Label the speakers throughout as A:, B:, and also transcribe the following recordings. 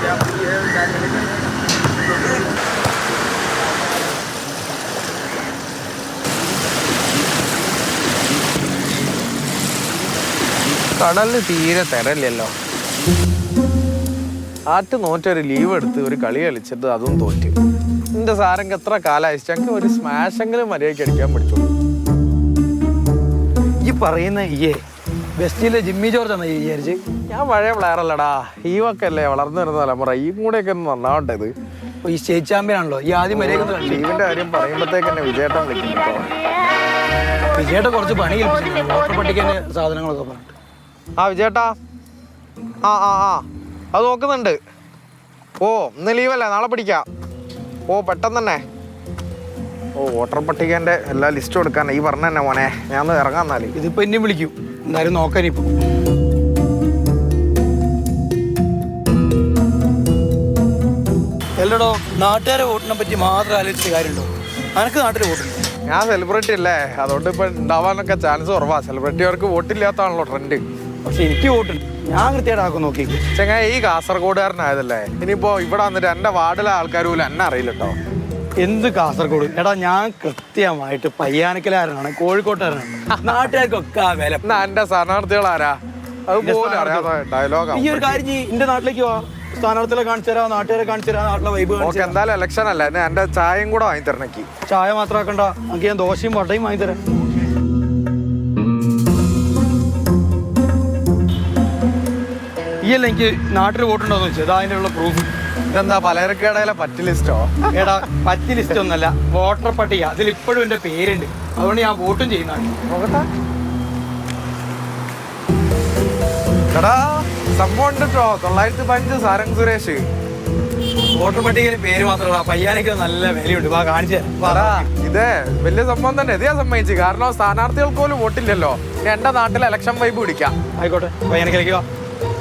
A: കടലിന് തീരെ തരല്ലല്ലോ. ആറ്റ് നോറ്റൊരു ലീവ് എടുത്ത് ഒരു കളി കളിച്ചിട്ട് അതും തോറ്റ്. എന്റെ സാരംഗ് എത്ര കാലം അയച്ചെങ്കിൽ ഒരു സ്മാഷെങ്കിലും മര്യാദയ്ക്ക് അടിക്കാൻ പഠിച്ചു.
B: ഈ പറയുന്ന വെസ്റ്റിലെ ജിമ്മി ജോർജ് ആണ് വിചാരിച്ച്.
A: ഞാൻ പഴയ പ്ലെയർ അല്ലടാ, ഈ ഒക്കെ അല്ലേ വളർന്നു വരുന്ന തലമുറ. ഈ കൂടെയൊക്കെ ഒന്ന് നന്നാവട്ടെ.
B: ഈ സ്റ്റേറ്റ് ചാമ്പ്യൻ ആണല്ലോ ഈ ആദ്യം
A: ലീവിന്റെ കാര്യം പറയുമ്പോഴത്തേക്ക് തന്നെ വിജയേട്ടൻ വിളിക്കുന്നുണ്ടോ?
B: വിജയേട്ടൻ കുറച്ച് പണി ഏൽപ്പിച്ചിട്ടുണ്ട്. വോട്ടർ പട്ടികന്റെ സാധനങ്ങളൊക്കെ പറഞ്ഞിട്ട്.
A: ആ വിജയേട്ടാ, ആ ആ ആ അത് നോക്കുന്നുണ്ട്. ഓ ഇന്ന് ലീവല്ലേ, നാളെ പിടിക്കാം. ഓ പെട്ടെന്ന് തന്നെ. ഓ വോട്ടർ പട്ടികന്റെ എല്ലാ ലിസ്റ്റും എടുക്കാൻ ഈ പറഞ്ഞ തന്നെ മോനെ. ഞാൻ ഒന്ന് ഇറങ്ങാൻ. എന്നാല്
B: ഇതിപ്പോ എന്നെയും വിളിക്കും എന്തായാലും നോക്കാനിപ്പോ. എല്ലടോ, നാട്ടുകാരെ വോട്ടിനെ പറ്റി മാത്രം ആലോചിച്ചിട്ട് കാര്യമുണ്ടോ? അനക്ക് നാട്ടിൽ വോട്ടുണ്ട്.
A: ഞാൻ സെലിബ്രിറ്റി അല്ലേ, അതുകൊണ്ട് ഇപ്പൊ ഉണ്ടാവാനൊക്കെ ചാൻസ് കുറവാ. സെലിബ്രിറ്റികൾക്ക് വോട്ടില്ലാത്താണല്ലോ ട്രെൻഡ്.
B: പക്ഷെ എനിക്ക് വോട്ടുണ്ട്, ഞാൻ കൃത്യമായിട്ട് ആക്കും നോക്കി.
A: ചെങ്ങായി ഈ കാസർഗോഡുകാരനായതല്ലേ, ഇനിയിപ്പോ ഇവിടെ വന്നിട്ട് എന്റെ വാർഡിലെ ആൾക്കാർ പോലും എന്നെ അറിയില്ല കേട്ടോ.
B: എന്ത് കാസർഗോഡ്? എടാ ഞാൻ കൃത്യമായിട്ട് പയ്യാനക്കലാരനാണ്, കോഴിക്കോട്ടുകാരനാണ്. നാട്ടുകാർക്കൊക്കെ ആ വില.
A: എന്നാ എന്റെ സ്ഥാനാർത്ഥികളാരാ അതുപോലെ അറിയാതെ ഡയലോഗ്.
B: ഈ ഒരു കാര്യം ചെയ്യ്, എന്റെ നാട്ടിലേക്ക് വാ, സ്ഥാനാർത്ഥികളെ കാണിച്ചു തരാം, നാട്ടുകാരെ കാണിച്ചു തരാം, നാട്ടിലെ വൈബ്.
A: ഓക്കെ, എന്തായാലും ഇലക്ഷൻ അല്ലേ, എന്റെ ചായയും കൂടെ വാങ്ങി തരണക്കി.
B: ചായ മാത്രമാക്കണ്ട, നമുക്ക് ഞാൻ ദോശയും വടയും വാങ്ങി തരാം. ഈ അല്ല എനിക്ക് നാട്ടിൽ വോട്ടുണ്ടോന്ന് വെച്ചാൽ അതിൻ്റെ ഉള്ള പ്രൂഫ്.
A: ഇതെന്താ പലചരക്കടയിലെ പറ്റ് ലിസ്റ്റോ?
B: എടാ പറ്റ് ലിസ്റ്റ് ഒന്നല്ല, വോട്ടർ പട്ടിക. അതിൽ ഇപ്പോഴും എന്റെ പേരുണ്ട്, അതുകൊണ്ട് ഞാൻ വോട്ടും ചെയ്യുന്നതാണ്.
A: എടാ സംഭവം ഉണ്ട് കേട്ടോ, 915 സാരംഗ് സുരേഷ്.
B: വോട്ടർ പട്ടികയിൽ പേര് മാത്രമല്ല, പയ്യാനൊക്കെ നല്ല വിലയുണ്ട്. വാ കാണിച്ചു തരാം.
A: ഇതേ വലിയ സംഭവം തന്നെ. ഇത് ഞാൻ സമ്മതിച്ചു, കാരണം സ്ഥാനാർത്ഥികൾക്ക് പോലും വോട്ടില്ലല്ലോ. ഇനി എന്റെ നാട്ടിലെ ഇലക്ഷൻ വൈബ് പിടിക്കാം.
B: ആയിക്കോട്ടെ, പയ്യാനക്കിലേക്ക് വാ.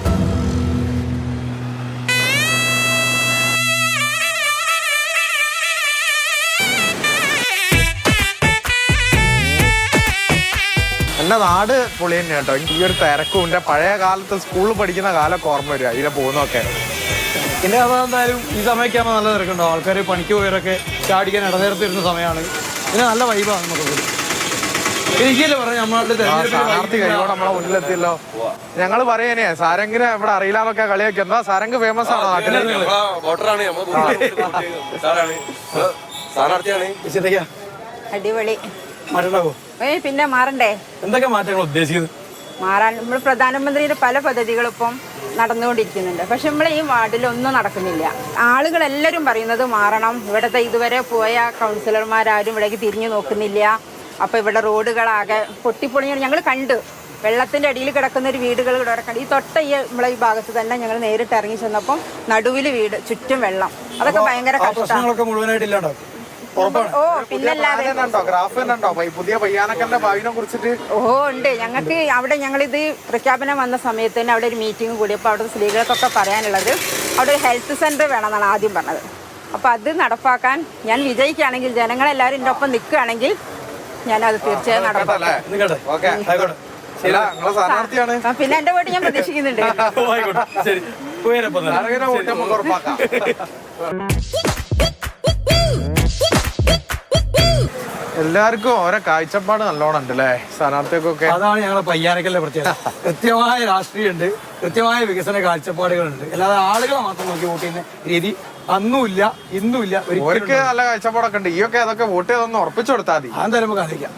A: എന്റെ നാട് പൊളി തന്നെ കേട്ടോ. ഈ ഒരു തിരക്കും എന്റെ പഴയ കാലത്ത് സ്കൂളിൽ പഠിക്കുന്ന കാലൊക്കെ ഓർമ്മ വരിക ഇതിലെ പോകുന്നൊക്കെ.
B: പിന്നെ അതെന്തായാലും ഈ സമയമൊക്കെ ആകുമ്പോൾ നല്ല തിരക്കുണ്ടോ. ആൾക്കാർ പണിക്ക് പോയവരൊക്കെ ചാടിക്കാൻ ഇടനേരത്ത് വരുന്ന സമയമാണ്. പിന്നെ നല്ല വൈബാണ് നമുക്ക്. എനിക്കല്ലേ പറഞ്ഞ നമ്മളെ
A: സ്ഥാനാർത്ഥി കഴിയോടെ നമ്മളെ മുന്നിലെത്തിയല്ലോ. ഞങ്ങള് പറയാനേ സാരംഗിനെ ഇവിടെ അറിയില്ലാന്നൊക്കെ കളിയൊക്കെ. എന്താ സാരംഗ് ഫേമസ് ആണ് നാട്ടില്.
C: അടിപൊളി.
B: മാറ്റണ്ടാവോ?
C: പിന്നെ മാറണ്ടേ?
B: എന്തൊക്കെ മാറ്റങ്ങൾ ഉദ്ദേശിക്കുന്നത്?
C: മാറാൻ നമ്മൾ പ്രധാനമന്ത്രിയുടെ പല പദ്ധതികളും ഇപ്പം നടന്നുകൊണ്ടിരിക്കുന്നുണ്ട്. പക്ഷെ നമ്മളെ ഈ വാർഡിലൊന്നും നടക്കുന്നില്ല. ആളുകളെല്ലാവരും പറയുന്നത് മാറണം. ഇവിടുത്തെ ഇതുവരെ പോയ കൗൺസിലർമാരും ഇവിടേക്ക് തിരിഞ്ഞു നോക്കുന്നില്ല. അപ്പോൾ ഇവിടെ റോഡുകളാകെ പൊട്ടിപ്പൊളിഞ്ഞ ഞങ്ങൾ കണ്ടു. വെള്ളത്തിൻ്റെ അടിയിൽ കിടക്കുന്ന ഒരു വീടുകൾ ഇവിടെ കണ്ടു. ഈ തൊട്ട നമ്മളെ ഈ ഭാഗത്ത് തന്നെ ഞങ്ങൾ നേരിട്ട് ഇറങ്ങി ചെന്നപ്പം നടുവിൽ വീട്, ചുറ്റും വെള്ളം. അതൊക്കെ ഭയങ്കര കഷ്ടമാണ്.
B: മുഴുവനായിട്ടില്ലാണ്ടോ?
C: ഓ പിന്നല്ലാതെ
A: പുതിയ പയ്യാനക്കന്റെ ഭാവിനെ കുറിച്ചിട്ട്
C: ഉണ്ട് ഞങ്ങൾക്ക്. അവിടെ ഞങ്ങളിത് പ്രഖ്യാപനം വന്ന സമയത്ത് തന്നെ അവിടെ ഒരു മീറ്റിംഗ് കൂടിയപ്പോൾ അവിടെ സ്ത്രീകൾക്കൊക്കെ പറയാനുള്ളത് അവിടെ ഒരു ഹെൽത്ത് സെന്റർ വേണമെന്നാണ് ആദ്യം പറഞ്ഞത്. അപ്പോൾ അത് നടപ്പാക്കാൻ ഞാൻ വിജയിക്കുകയാണെങ്കിൽ, ജനങ്ങളെല്ലാവരും എൻ്റെ ഒപ്പം നിൽക്കുകയാണെങ്കിൽ ഞാനത് തീർച്ചയായും നടപ്പാക്കാം. പിന്നെ എൻ്റെ വോട്ട് ഞാൻ പ്രതീക്ഷിക്കുന്നുണ്ട്.
A: എല്ലാവർക്കും ഓരോ കാഴ്ചപ്പാട് നല്ലോണം ഉണ്ട് അല്ലേ സ്ഥാനാർത്ഥികൾക്കൊക്കെ.
B: അതാണ് ഞങ്ങളെ പയ്യാനക്കലിന്റെ പ്രത്യേകത. കൃത്യമായ രാഷ്ട്രീയമുണ്ട്, കൃത്യമായ വികസന കാഴ്ചപ്പാടുകളുണ്ട്. അല്ലാതെ ആളുകളെ മാത്രം നോക്കി വോട്ട് ചെയ്യുന്ന രീതി അന്നുമില്ല ഇന്നുമില്ല.
A: അവർക്ക് നല്ല കാഴ്ചപ്പാടൊക്കെ ഉണ്ട്. ഈയൊക്കെ അതൊക്കെ വോട്ട് ചെയ്തൊന്ന് ഉറപ്പിച്ചു കൊടുത്താൽ മതി.
B: അതെന്തായാലും നമുക്ക് അറിയിക്കാം.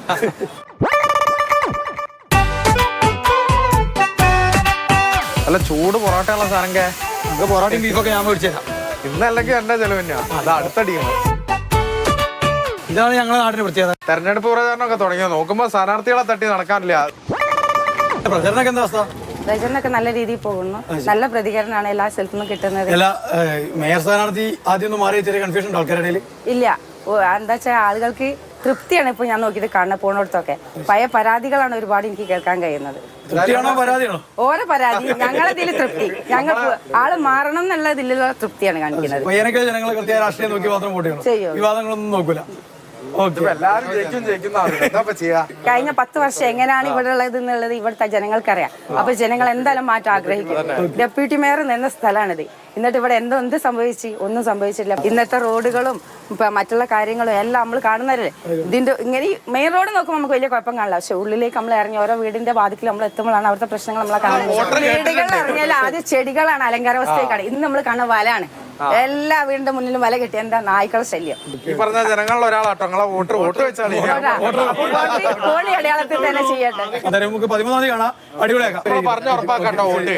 A: നല്ല ചൂട് പൊറോട്ടയുള്ള സാധനം.
B: നമുക്ക് പൊറോട്ടയും ബീഫൊക്കെ ഞാൻ മേടിച്ചു തരാം.
A: ഇന്നല്ലെങ്കിൽ എന്റെ ചെലവ് തന്നെയാണ്. അത് അടുത്ത ടീം.
B: ഇതാണ് ഞങ്ങളുടെ നാടിന്റെ പ്രത്യേകത.
A: തെരഞ്ഞെടുപ്പ് പ്രചാരണമൊക്കെ തുടങ്ങിയോ? നോക്കുമ്പോ സ്ഥാനാർത്ഥികളെ തട്ടി നടക്കാനില്ല.
B: പ്രചരണമൊക്കെ എന്താ അവസ്ഥ?
C: പ്രചരണമൊക്കെ നല്ല രീതിയിൽ പോകുന്നു. നല്ല പ്രതികരണമാണ് എല്ലാ സ്ഥലത്തു നിന്നും കിട്ടുന്നത്.
B: മേയർ സ്ഥാനാർത്ഥി ആദ്യം ഒന്ന് മാറി ചെറിയ കൺഫ്യൂഷൻ ഉണ്ട് ആൾക്കാരുടെ ഇടയിൽ.
C: ഇല്ല, എന്താ വെച്ചാൽ ആളുകൾക്ക് തൃപ്തിയാണ് ഇപ്പോൾ ഞാൻ നോക്കിയിട്ട് കാണുന്നത്. പോണോടത്തൊക്കെ പഴയ പരാതികളാണ് ഒരുപാട് എനിക്ക് കേൾക്കാൻ കഴിയുന്നത്. ഓരോ പരാതി, ഞങ്ങളതിൽ തൃപ്തി. ഞങ്ങൾ ആള് മാറണം എന്നുള്ളതിലുള്ള തൃപ്തിയാണ് കാണിക്കുന്നത്.
B: ജനങ്ങൾ കൃത്യ രാഷ്ട്രീയം നോക്കി മാത്രം വോട്ട് ചെയ്യണം, വിവാദങ്ങളൊന്നും നോക്കൂല.
A: എല്ലാരും എന്താ ചെയ്യാ?
D: കഴിഞ്ഞ 10 വർഷം എങ്ങനെയാണ് ഇവിടെ ഉള്ളത് എന്നുള്ളത് ഇവിടുത്തെ ജനങ്ങൾക്കറിയാം. അപ്പൊ ജനങ്ങൾ എന്തായാലും മാറ്റം ആഗ്രഹിക്കും. ഡെപ്യൂട്ടി മേയർ നിന്ന സ്ഥലമാണിത്. എന്നിട്ട് ഇവിടെ എന്ത് സംഭവിച്ചു? ഒന്നും സംഭവിച്ചില്ല. ഇന്നത്തെ റോഡുകളും മറ്റുള്ള കാര്യങ്ങളും എല്ലാം നമ്മൾ കാണുന്നവരല്ലേ. ഇതിന്റെ ഇങ്ങനെ മെയിൻ റോഡ് നോക്കുമ്പോൾ നമുക്ക് വലിയ കുഴപ്പം കാണില്ല. പക്ഷെ ഉള്ളിലേക്ക് നമ്മൾ ഇറങ്ങി ഓരോ വീടിന്റെ വാതിക്കൽ നമ്മൾ എത്തുമ്പോഴാണ് അവിടുത്തെ പ്രശ്നങ്ങൾ നമ്മളെ കാണുന്നത്. വീടുകളിൽ ഇറങ്ങിയാൽ ആദ്യം ചെടികളാണ് അലങ്കാര വസ്തുക്കളാണ്. ഇന്ന് നമ്മൾ കാണുന്ന വലയാണ്. എല്ലാ വീടിന്റെ മുന്നിലും വല കെട്ടി. എന്താ നായ്ക്കളെ ശല്യം.
A: ഈ പറഞ്ഞ ജനങ്ങളിൽ ഒരാളാട്ടോ നിങ്ങളെ വോട്ട് വെച്ചാൽ
D: കോഴി അടയാളത്തിൽ തന്നെ ചെയ്യട്ടെ.
B: നമുക്ക് 13-ാം തീയതി കാണാം. അടിപൊളിയാക്കാം.
A: പറഞ്ഞ ഉറപ്പാക്കട്ടോ വോട്ട്.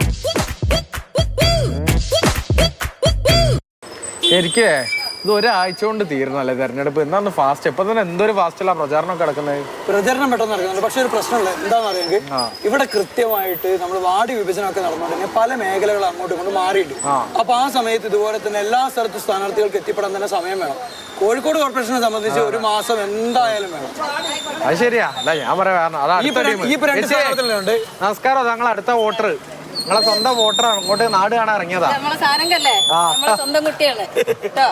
A: ശരിക്കേ ഇത് ഒരാഴ്ച കൊണ്ട് തീർന്നല്ലേ തെരഞ്ഞെടുപ്പ്? എന്നാന്ന് ഫാസ്റ്റ്? ഇപ്പൊ തന്നെ എന്തൊരു ഫാസ്റ്റല്ല പ്രചാരണം കിടക്കുന്നത്.
B: പ്രചരണം പെട്ടെന്ന് നടക്കുന്നുണ്ട്. പക്ഷെ ഒരു പ്രശ്നമുള്ളത് എന്താണെന്ന് അറിയെങ്കിൽ ഇവിടെ കൃത്യമായിട്ട് നമ്മൾ വാർഡ് വിഭജനമൊക്കെ നടന്നുകൊണ്ടിരിക്കുക പല മേഖലകൾ അങ്ങോട്ടും ഇങ്ങോട്ട് മാറിയിട്ട്. അപ്പൊ ആ സമയത്ത് ഇതുപോലെ തന്നെ എല്ലാ സ്ഥലത്തും സ്ഥാനാർത്ഥികൾക്ക് എത്തിപ്പെടാൻ തന്നെ സമയം വേണം. കോഴിക്കോട് കോർപ്പറേഷനെ സംബന്ധിച്ച് 1 മാസം എന്തായാലും വേണം.
A: അത് ശരിയാ. അല്ല ഞാൻ പറയാം. നമസ്കാരം, ഞങ്ങൾ അടുത്ത വോട്ടർ, നിങ്ങളെ സ്വന്തം വോട്ടർ അങ്ങോട്ട് നാട് കാണാൻ ഇറങ്ങിയതാ.
E: നമ്മളെ സാരംഗല്ലേ, നമ്മളെ സ്വന്തം കുട്ടിയാണ് കേട്ടോ.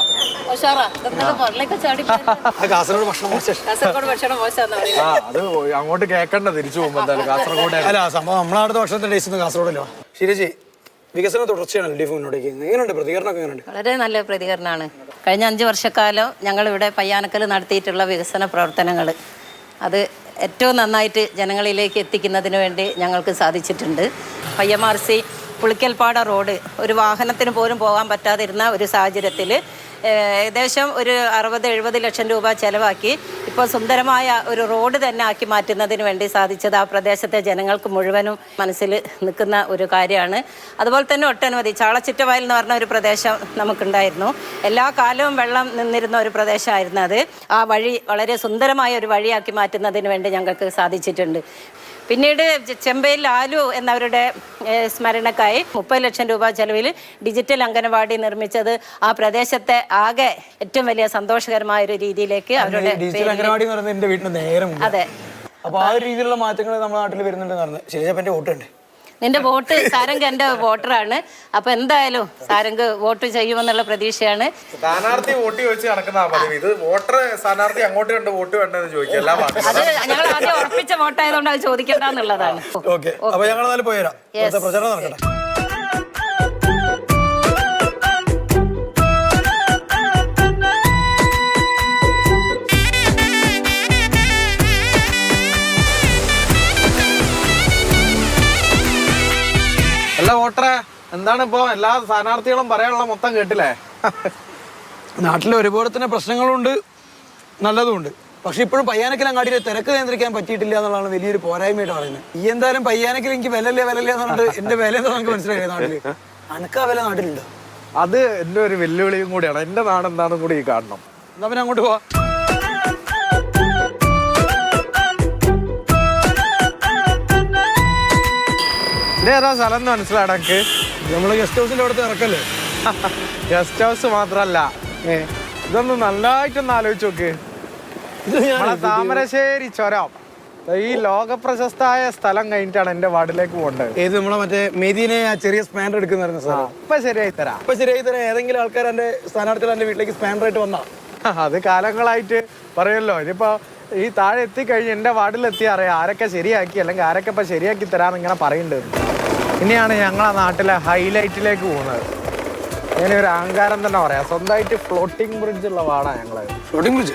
B: കാസർഗോഡ് ഭക്ഷണം
E: കാസർഗോഡ് ഭക്ഷണം മോശം.
A: അത് അങ്ങോട്ട് കേക്കണ്ട തിരിച്ചു പോകുമ്പോ എന്തായാലും കാസർഗോഡ്.
B: അല്ല സംഭവം നമ്മളവിടുത്തെ ഭക്ഷണത്തിന്റെ ടേസ്റ്റ് കാസർഗോഡല്ലോ. ശരിജി, വികസന തുടർച്ചയാണ് LDF മുന്നോട്ടേക്ക്. എങ്ങനെയുണ്ട് പ്രതികരണമൊക്കെ? എങ്ങനെയുണ്ട്?
E: വളരെ നല്ല പ്രതികരണമാണ്. കഴിഞ്ഞ 5 വർഷക്കാലം ഞങ്ങളിവിടെ പയ്യാനക്കൽ നടത്തിയിട്ടുള്ള വികസന പ്രവർത്തനങ്ങൾ അത് ഏറ്റവും നന്നായിട്ട് ജനങ്ങളിലേക്ക് എത്തിക്കുന്നതിന് വേണ്ടി ഞങ്ങൾക്ക് സാധിച്ചിട്ടുണ്ട്. പയ്യമാർസി പുളിക്കൽപ്പാട റോഡ് ഒരു വാഹനത്തിന് പോലും പോകാൻ പറ്റാതിരുന്ന ഒരു സാഹചര്യത്തിൽ ഏകദേശം ഒരു 60-70 ലക്ഷം രൂപ ചെലവാക്കി ഇപ്പോൾ സുന്ദരമായ ഒരു റോഡ് തന്നെ ആക്കി മാറ്റുന്നതിന് വേണ്ടി സാധിച്ചത് ആ പ്രദേശത്തെ ജനങ്ങൾക്ക് മുഴുവനും മനസ്സിൽ നിൽക്കുന്ന ഒരു കാര്യമാണ്. അതുപോലെ തന്നെ ഒട്ടനവധി ചാളച്ചിറ്റവയൽ എന്ന് പറഞ്ഞ ഒരു പ്രദേശം നമുക്കുണ്ടായിരുന്നു. എല്ലാ കാലവും വെള്ളം നിന്നിരുന്ന ഒരു പ്രദേശമായിരുന്നു അത്. ആ വഴി വളരെ സുന്ദരമായ ഒരു വഴിയാക്കി മാറ്റുന്നതിന് വേണ്ടി ഞങ്ങൾക്ക് സാധിച്ചിട്ടുണ്ട്. പിന്നീട് ചെമ്പയിൽ ആലു എന്നവരുടെ സ്മരണക്കായി 30 ലക്ഷം രൂപ ചെലവിൽ ഡിജിറ്റൽ അംഗനവാടി നിർമ്മിച്ചത് ആ പ്രദേശത്തെ ആകെ ഏറ്റവും വലിയ സന്തോഷകരമായ ഒരു രീതിയിലേക്ക് അവരുടെ
B: അംഗനവാടി എന്ന് പറയുന്നത് എന്റെ വീട്ടിന് നേരെ മുന്നിൽ.
E: അതെ.
B: അപ്പൊ ആ ഒരു രീതിയിലുള്ള മാറ്റങ്ങൾ നമ്മുടെ നാട്ടിൽ വരുന്നുണ്ടെന്ന് ശരിയാ. വോട്ടുണ്ട്.
E: നിന്റെ വോട്ട് സാരംഗ് എന്റെ വോട്ടറാണ്. അപ്പൊ എന്തായാലും സാരംഗ് വോട്ട് ചെയ്യുമെന്നുള്ള പ്രതീക്ഷയാണ്.
A: സ്ഥാനാർത്ഥി വോട്ട് ചോദിച്ച് നടക്കുന്ന പതിവ്. ഇത് വോട്ടർ സ്ഥാനാർത്ഥി അങ്ങോട്ട് കണ്ട് വോട്ട് വേണ്ടെന്ന് ചോദിക്കും.
E: അത് ഞങ്ങൾ ആദ്യം ഉറപ്പിച്ച വോട്ടായതുകൊണ്ട് അത് ചോദിക്കേണ്ടെന്നുള്ളതാണ്.
B: ഓക്കെ, അപ്പൊ ഞങ്ങൾ പോയരാം. പ്രചരണം നടക്കട്ടെ.
A: അല്ല വോട്ടറെ, എന്താണ് ഇപ്പൊ എല്ലാ സ്ഥാനാർത്ഥികളും പറയാനുള്ള മൊത്തം കേട്ടില്ലേ?
B: നാട്ടിൽ ഒരുപാട് തന്നെ പ്രശ്നങ്ങളുണ്ട്, നല്ലതുമുണ്ട്. പക്ഷെ ഇപ്പോഴും പയ്യാനക്കൽ അങ്ങാടിയിൽ തിരക്ക് നിയന്ത്രിക്കാൻ പറ്റിയിട്ടില്ല എന്നുള്ളതാണ് വലിയൊരു പോരായ്മയായിട്ട് പറയുന്നത്. ഈ എന്തായാലും പയ്യാനക്കൽ എനിക്ക് വിലല്ലേ എന്നുള്ളത് എന്റെ വില എന്താ നമുക്ക് മനസ്സിലായി. നാട്ടില് അനക്കാ വില നാട്ടിലുണ്ടോ?
A: അത് എന്റെ ഒരു വെല്ലുവിളിയും കൂടിയാണ്. എന്റെ നാട് എന്താണെന്നും കൂടി ഈ കാണണം.
B: എന്നാ പിന്നെ അങ്ങോട്ട് പോവാ.
A: ഇതേതാ സ്ഥലം എന്ന് മനസ്സിലാടക്ക്?
B: നമ്മള് ഗസ്റ്റ് ഹൗസിന്റെ അവിടുത്തെ ഇറക്കല്ലേ?
A: ഗസ്റ്റ് ഹൗസ് മാത്രല്ല, ഇതൊന്ന് നല്ലതായിട്ടൊന്ന് ആലോചിച്ച് നോക്ക്. നമ്മളെ താമരശ്ശേരി ചുരം, ഈ ലോക പ്രശസ്തമായ സ്ഥലം കഴിഞ്ഞിട്ടാണ് എന്റെ വാർഡിലേക്ക് പോകേണ്ടത്.
B: ഏത് നമ്മളെ മറ്റേ മെതിനെ ആ ചെറിയ സ്പാൻഡർ എടുക്കുന്ന സ്ഥലം.
A: ഇപ്പൊ ശരിയായി തരാം.
B: ഇപ്പൊ ശരിയായി തരാം. ഏതെങ്കിലും ആൾക്കാർ എന്റെ സ്ഥാനാർത്ഥികൾ എന്റെ വീട്ടിലേക്ക് സ്പാൻഡർ ആയിട്ട് വന്നാ
A: അത് കാലങ്ങളായിട്ട് പറയുമല്ലോ. ഇനിയിപ്പോ ഈ താഴെ എത്തിക്കഴിഞ്ഞ് എന്റെ വാർഡിലെത്തി അറിയാം ആരൊക്കെ ശരിയാക്കി, അല്ലെങ്കിൽ ആരൊക്കെ ഇപ്പൊ ശരിയാക്കി തരാന്ന് ഇങ്ങനെ പറയുന്നുണ്ട്. ഇനിയാണ് ഞങ്ങളെ നാട്ടിലെ ഹൈലൈറ്റിലേക്ക് പോകുന്നത്. ഇങ്ങനെ ഒരു അഹങ്കാരം തന്നെ പറയാം. സ്വന്തമായിട്ട് ഫ്ലോട്ടിംഗ് ബ്രിഡ്ജ് ഉള്ള വാടാ ഞങ്ങള്.
B: Floating bridge.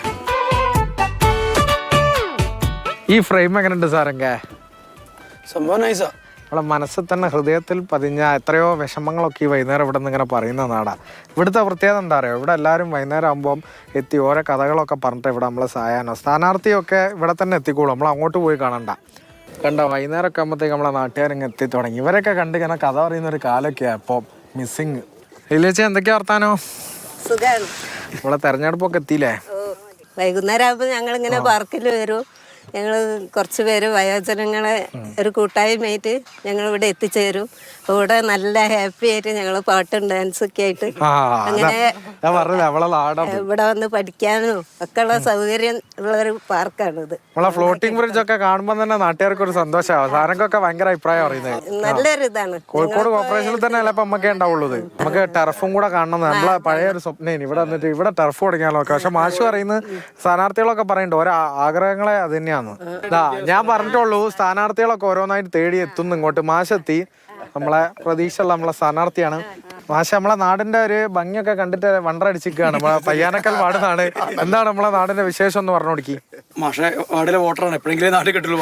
A: ഈ ഫ്രെയിം എങ്ങനെയുണ്ട് സാറെങ്ക?
B: സംഭവം നൈസാ.
A: നമ്മളെ മനസ്സിൽ തന്നെ ഹൃദയത്തിൽ പതിഞ്ഞ എത്രയോ വിഷമങ്ങളൊക്കെ ഈ വൈകുന്നേരം ഇവിടെ നിന്ന് ഇങ്ങനെ പറയുന്ന നാടാ. ഇവിടുത്തെ പ്രത്യേകത എന്താ പറയുക, ഇവിടെ എല്ലാവരും വൈകുന്നേരം ആകുമ്പം എത്തി ഓരോ കഥകളൊക്കെ പറഞ്ഞിട്ട് ഇവിടെ നമ്മൾ സായാനോ സ്ഥാനാർത്ഥിയൊക്കെ ഇവിടെ തന്നെ എത്തിക്കോളും. നമ്മൾ അങ്ങോട്ട് പോയി കാണണ്ട. കണ്ടോ, വൈകുന്നേരമൊക്കെ ആകുമ്പോഴത്തേക്ക് നമ്മളെ നാട്ടുകാരിങ്ങ് എത്തി തുടങ്ങി. ഇവരൊക്കെ കണ്ട് ഇങ്ങനെ കഥ പറയുന്ന ഒരു കാലൊക്കെയാണ് ഇപ്പോൾ മിസ്സിങ്. ഇല്ലേച്ചി, എന്തൊക്കെയാ വർത്താനോ?
F: സുഖാണ്.
A: ഇവിടെ തെരഞ്ഞെടുപ്പൊക്കെ എത്തിയില്ലേ?
F: വൈകുന്നേരം ആകുമ്പോൾ ഞങ്ങളിങ്ങനെ പാർക്കിൽ വരും. ഞങ്ങൾ കുറച്ച് പേര് വയോജനങ്ങളെ ഒരു കൂട്ടായ്മയായിട്ട് ഞങ്ങൾ ഇവിടെ എത്തിച്ചേരും. ഇവിടെ നല്ല ഹാപ്പി ആയിട്ട് ഞങ്ങൾ പാട്ടും ഡാൻസൊക്കെ ആയിട്ട് അങ്ങനെ ഇവിടെ വന്ന് പഠിക്കാനും ഒക്കെ ഉള്ള സൗകര്യം ഉള്ള ഒരു പാർക്കാണിത്.
A: നമ്മളെ ഫ്ലോട്ടിംഗ് ബ്രിഡ്ജ് ഒക്കെ കാണുമ്പോൾ തന്നെ നാട്ടുകാർക്ക് ഒരു സന്തോഷമാവും. സാധനക്കൊക്കെ ഭയങ്കര അഭിപ്രായം പറയുന്നത്.
F: നല്ലൊരു ഇതാണ്.
A: കോഴിക്കോട് കോർപ്പറേഷനിൽ തന്നെ അല്ല ഇപ്പൊ നമുക്കേ ഉണ്ടാവുള്ളൂ. നമുക്ക് ടർഫും കൂടെ കാണണം. നമ്മളെ പഴയ ഒരു സ്വപ്നം ഇവിടെ വന്നിട്ട് ഇവിടെ ടർഫ് തുടങ്ങിയാലോ. പക്ഷെ മാഷ് പറയുന്നത് സ്ഥാനാർത്ഥികളൊക്കെ പറയുന്നുണ്ട് ഓരോ ആഗ്രഹങ്ങളെ അത് തന്നെയാന്ന്. ഞാൻ പറഞ്ഞിട്ടുള്ളൂ സ്ഥാനാർത്ഥികളൊക്കെ ഓരോന്നായിട്ട് തേടി എത്തുന്നു ഇങ്ങോട്ട്. മാഷെത്തി, നമ്മളെ പ്രതീക്ഷയുള്ള നമ്മളെ സ്ഥാനാർത്ഥിയാണ്. മാഷ നമ്മളെ നാടിന്റെ ഒരു ഭംഗിയൊക്കെ കണ്ടിട്ട് വണ്ടടിച്ചിരിക്കുകയാണ്. നമ്മളെ പയ്യാനക്കൽ വാർഡാണ്. എന്താണ് നമ്മളെ നാടിന്റെ വിശേഷം എന്ന് പറഞ്ഞു കൊടുക്കി.
B: മാഷെ വാർഡിലെ വോട്ടറാണ്, എപ്പോഴെങ്കിലും നാട്ടിൽ കിട്ടുള്ളൂ.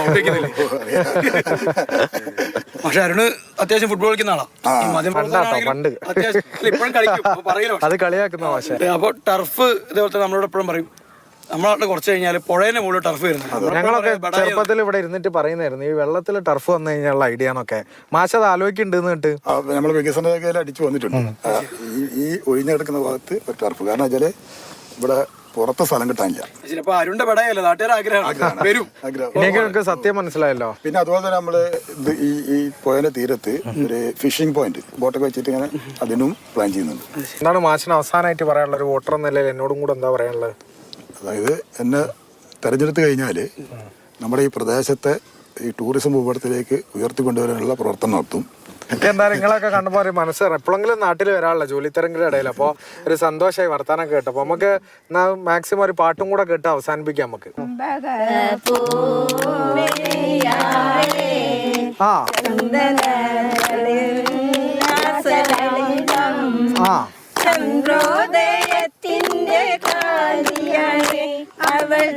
B: പക്ഷെ അരുണ് അത്യാവശ്യം ഫുട്ബോൾ കളിക്കുന്ന ആളാ.
A: പണ്ട്
B: ഇപ്പോഴും കളിക്കും, പറയലോ
A: അത് കളിയാക്കുന്ന മാഷ.
B: അപ്പൊ ടർഫ് ഇതേപോലത്തെ നമ്മളോട് എപ്പോഴും പറയും നമ്മളെ കുറച്ച് കഴിഞ്ഞാൽ പുഴേനെ മുകളിൽ ടർഫ് വരുന്നത്.
A: ഞങ്ങളൊക്കെ ചെറുപ്പത്തിൽ ഇവിടെ ഇരുന്നിട്ട് പറയുന്നായിരുന്നു ഈ വെള്ളത്തിൽ ടർഫ് വന്നു കഴിഞ്ഞാലുള്ള ഐഡിയ എന്നൊക്കെ. മാഷത് ആലോചിക്കുന്നുണ്ട്.
G: നമ്മൾ വികസന മേഖല അടിച്ചു വന്നിട്ടുണ്ട്. ഈ ഒഴിഞ്ഞു കിടക്കുന്ന ഭാഗത്ത് ഒരു ടർഫ്, കാരണം വെച്ചാല് ഇവിടെ പുറത്തെ സ്ഥലം കിട്ടാനില്ല.
B: അരുണിന്റെ പടയല്ലേ നാട്ടുകാർ ആഗ്രഹം.
A: സത്യം മനസ്സിലായല്ലോ.
G: പിന്നെ അതുപോലെ തന്നെ നമ്മള് ഈ പുഴയുടെ തീരത്ത് ഒരു ഫിഷിംഗ് പോയിന്റ് ബോട്ടൊക്കെ വെച്ചിട്ട് ഇങ്ങനെ അതിനും പ്ലാൻ ചെയ്യുന്നുണ്ട്.
A: എന്താണ് മാഷിന് അവസാനമായിട്ട് പറയാനുള്ളത് ഒരു വോട്ടർ എന്ന നിലയിൽ എന്നോടും കൂടെ എന്താ പറയാനുള്ളത്?
G: അതായത് എന്നെ തെരഞ്ഞെടുത്ത് കഴിഞ്ഞാൽ നമ്മുടെ ഈ പ്രദേശത്തെ ഈ ടൂറിസം ഭൂപടത്തിലേക്ക് ഉയർത്തിക്കൊണ്ടുവരാനുള്ള പ്രവർത്തനം നടത്തും.
A: എന്തായാലും നിങ്ങളൊക്കെ കണ്ടപ്പോൾ ഒരു മനസ്സ് എപ്പോഴെങ്കിലും നാട്ടിൽ വരാനുള്ള ജോലി തിരക്കിന്റെ ഇടയിൽ. അപ്പോൾ ഒരു സന്തോഷമായി വർത്താനം കേട്ടോ. അപ്പോൾ നമുക്ക് മാക്സിമം ഒരു പാട്ടും കൂടെ കേട്ട് അവസാനിപ്പിക്കാം നമുക്ക്.
F: ചന്ദ്രോദയത്തിന്റെ കാലിയാണ് അവൾ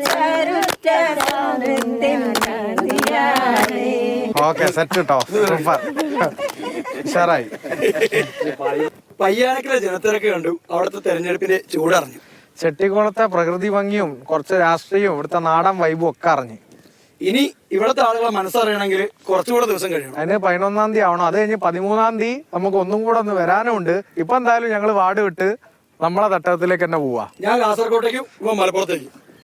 A: ഓക്കെ സെറ്റ് കേട്ടോ. സൂപ്പർ, ഉഷാറായി.
B: പയ്യാനക്കിലെ ജനത്തിരക്ക് കണ്ടു, അവിടുത്തെ തെരഞ്ഞെടുപ്പിന്റെ ചൂടറിഞ്ഞു.
A: ചെട്ടിക്കുളത്തെ പ്രകൃതി ഭംഗിയും കുറച്ച് രാഷ്ട്രീയവും ഇവിടുത്തെ നാടൻ വൈബും ഒക്കെ അറിഞ്ഞു.
B: ഇനി ഇവിടുത്തെ ആളുകളെ മനസ്സറിയണമെങ്കിൽ കുറച്ചുകൂടെ ദിവസം കഴിയണം.
A: അതിന് 11-ാം തീയതി ആവണം. അത് കഴിഞ്ഞ് 13-ാം തീയതി നമുക്ക് ഒന്നും കൂടെ ഒന്ന് വരാനും ഉണ്ട്. ഇപ്പൊ എന്തായാലും ഞങ്ങൾ വാർഡ് വിട്ട് നമ്മളെ തട്ടകത്തിലേക്ക് തന്നെ പോവാ.
B: ഞാൻ കാസർഗോട്ടേക്കും ഇപ്പൊ മലപ്പുറത്തേക്കും.